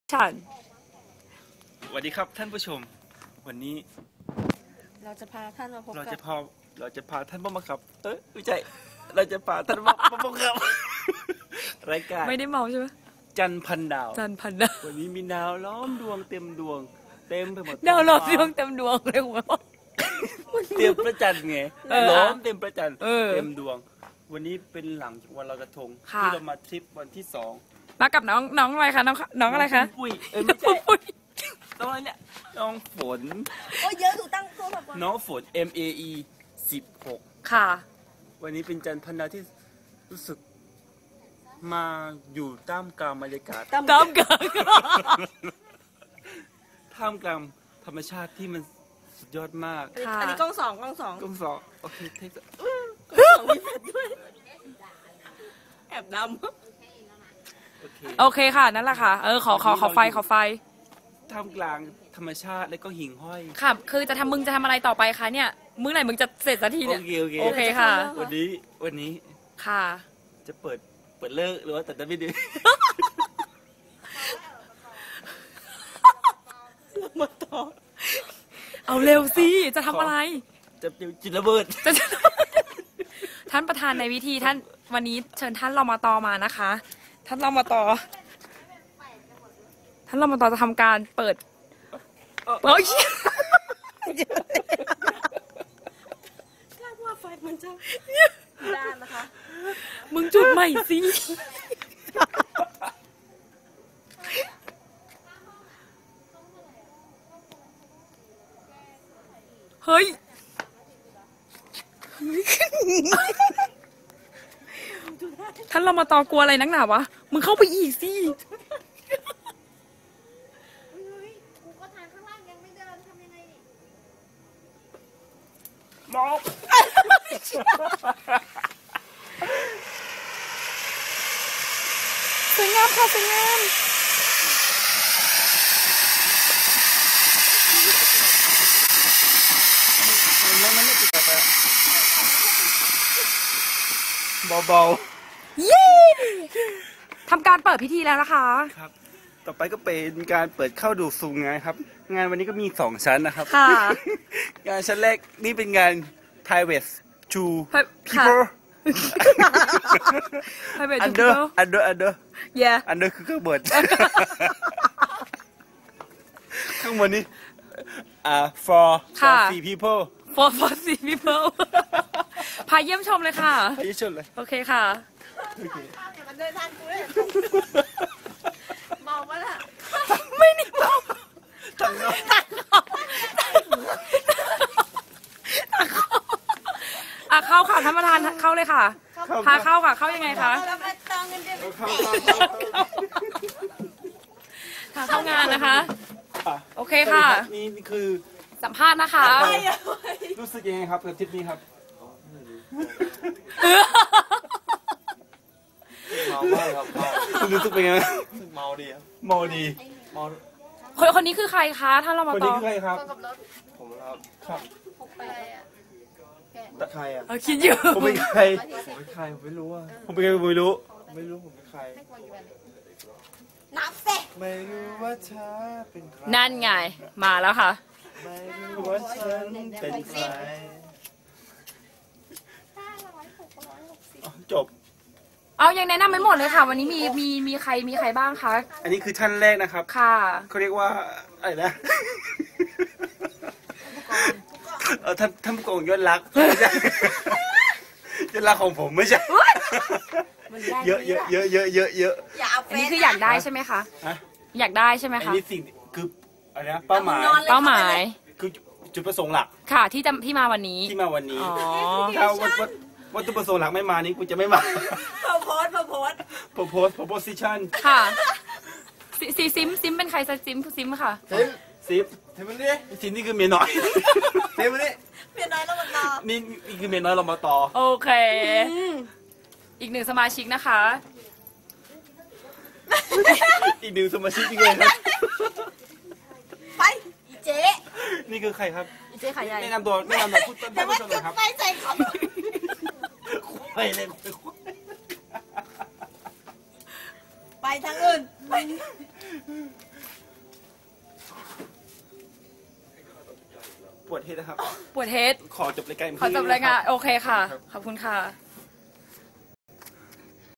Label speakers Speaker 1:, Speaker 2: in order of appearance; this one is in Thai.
Speaker 1: ฉัน
Speaker 2: สวัสดีครับท่านผู้ชมวันนี้
Speaker 1: เราจะพาท่านมาพบกับ
Speaker 2: เราจะพาท่านมาครับไม่ใช่เราจะพาท่านมาพบกับรายการ
Speaker 1: ไม่ได้เมาใช่ไหม
Speaker 2: จันพันดาววันนี้มีดาวล้อมดวงเต็มดวงเต็มไปหมด
Speaker 1: ดาวล้อมดวงเต็มดวงเลยหัว
Speaker 2: เต็มประจันไงล้อมเต็มประจันเต็มดวงวันนี้เป็นหลังจากวันลอยกระทงที่เรามาทริปวันที่2
Speaker 1: มากับน้องอะไรคะน้องอะไรคะ
Speaker 2: ปุ้ยไม่ใช่น้องอะไรเนี่ยน้องฝน
Speaker 3: โอ้เยอะถูกตั้งตัวแบบ
Speaker 2: น้องฝน MAE 16
Speaker 1: ค่ะ
Speaker 2: วันนี้เป็นจันทร์พันดาวที่รู้สึกมาอยู่ท่ามกลางบรรยากาศ
Speaker 1: ท่ามกลาง
Speaker 2: ธรรมชาติที่มันสุดยอดมาก
Speaker 3: อันนี้กล้องสอง
Speaker 2: โอเคเทค
Speaker 3: มีแฟลชด้วยแอบดำ
Speaker 1: โอเคค่ะนั่นแหละค่ะขอไฟ
Speaker 2: ท่ามกลางธรรมชาติและก็หิ่งห้อย
Speaker 1: ค่ะคือมึงจะทำอะไรต่อไปคะเนี่ยมื้อไหนมึงจะเสร็จสักทีเนี่ยโอเคค่ะ
Speaker 2: วันนี้
Speaker 1: ค่ะ
Speaker 2: จะเปิดเลิกหรือว่าแต่ไม่ดี
Speaker 1: มาต่อเอาเร็วสิจะทำอะไร
Speaker 2: จะจิตระเบิด
Speaker 1: ท่านประธานในวิธีท่านวันนี้เชิญท่านรมต.มานะคะท่านรมต.จะทำการเปิดค
Speaker 3: าดว่าไฟมันจะด้านนะคะ
Speaker 1: มึงจุดใหม่สิเฮ้ยท่านรมต.กลัวอะไรนักหนาวะมึงเข้าไปอีกสิ
Speaker 2: มอง
Speaker 1: สวยงามค่ะสวยงาม
Speaker 2: มันไม่ติดไปเบา
Speaker 1: ๆเย้ทำการเปิดพิธีแล้วนะคะ
Speaker 2: ครับต่อไปก็เป็นการเปิดเข้าดูสู่งานครับงานวันนี้ก็มี2ชั้นนะครับ
Speaker 1: ค่ะ
Speaker 2: งานชั้นแรกนี่เป็นงาน private to people
Speaker 1: private to
Speaker 2: under
Speaker 1: yeah
Speaker 2: under คือข้างบนข้างบนนี้for three people
Speaker 1: for three people พาเยี่ยมชมเลยค่ะ
Speaker 2: พาเยี่ยมชมเลย
Speaker 1: โอเคค่ะ
Speaker 3: มันเดินทางกูเลยเมาปะล่ะ
Speaker 1: ไม่นี่เมา
Speaker 2: ตัง
Speaker 1: เข้าค่ะท่านประธานเข้าเลยค่ะพาเข้าค่ะเข้ายังไงคะเข้างานนะคะโอเคค่ะ
Speaker 2: นี่คือ
Speaker 1: สัมภาษณ์นะคะ
Speaker 2: รู้สึกยังไงครับกับทริปนี้ครับ
Speaker 4: เมามากครับ
Speaker 2: รู้สึกเป็นไง
Speaker 4: เมาดีครับ
Speaker 2: เมาดี
Speaker 1: คนนี้คือใครคะท่านรมต.
Speaker 2: คนนี้คือใครครับ
Speaker 4: ผม
Speaker 2: ครับ
Speaker 4: แต่ใครอ่ะ
Speaker 1: คิดอยู่
Speaker 2: ผมเป็นใคร
Speaker 4: ผมไม่รู้อ่ะ
Speaker 2: ผมเป็นใครไม่รู้
Speaker 4: ผมเป็นใคร
Speaker 3: นับเสร็จ
Speaker 4: ไม่รู้ว่าเธอเป็นใคร
Speaker 1: นั่นไงมาแล้วค่ะ
Speaker 4: ไม่รู้ว่าฉันเป็นใคร
Speaker 2: จบ
Speaker 1: เอายังแนะนำไม่หมดเลยค่ะวันนี้มีใครบ้างคะ
Speaker 2: อันนี้คือท่านแรกนะครับ
Speaker 1: ค่ะ
Speaker 2: เขาเรียกว่าอะไรนะท่านผู้กองยอดรักยอดรักของผมไม่ใช่เยอะ
Speaker 1: อันนี้คืออยากได้ใช่ไหมคะอยากได้ใช่ไหมคะ
Speaker 2: อันนี้สิ่งคืออะไรนะเป้าหมายคือจุดประสงค์หลัก
Speaker 1: ค่ะที่มาวันนี้
Speaker 2: ถ้าวัตถุประสงค์หลักไม่มานี้กูจะไม่มาproposition
Speaker 1: ค่ะซิมเป็นใครซิมค่ะ
Speaker 2: ซิมนี่คือเมียน้อย
Speaker 3: เมียน้อยเรามาต่อ
Speaker 2: นี่คือเมียน้อยเรามาต่อ
Speaker 1: โอเคอีก1สมาชิกนะคะ
Speaker 2: อีก1สมาชิกยังไงครับ
Speaker 3: ไปอีเจ๊
Speaker 2: นี่คือใครครับ
Speaker 1: อีเจ๊ขายใหญ่
Speaker 2: แนะนำตัวพูดต้นแต่ว่าจุด
Speaker 3: ไฟใส่เขา
Speaker 2: ไปเลย
Speaker 3: ไปทางอื่น
Speaker 2: ปวดเฮดนะครับ
Speaker 1: ปวดเฮด
Speaker 2: ขอจบรายการ
Speaker 1: ขอจบรายงานโอเคค่ะ ขอบคุณค่ะ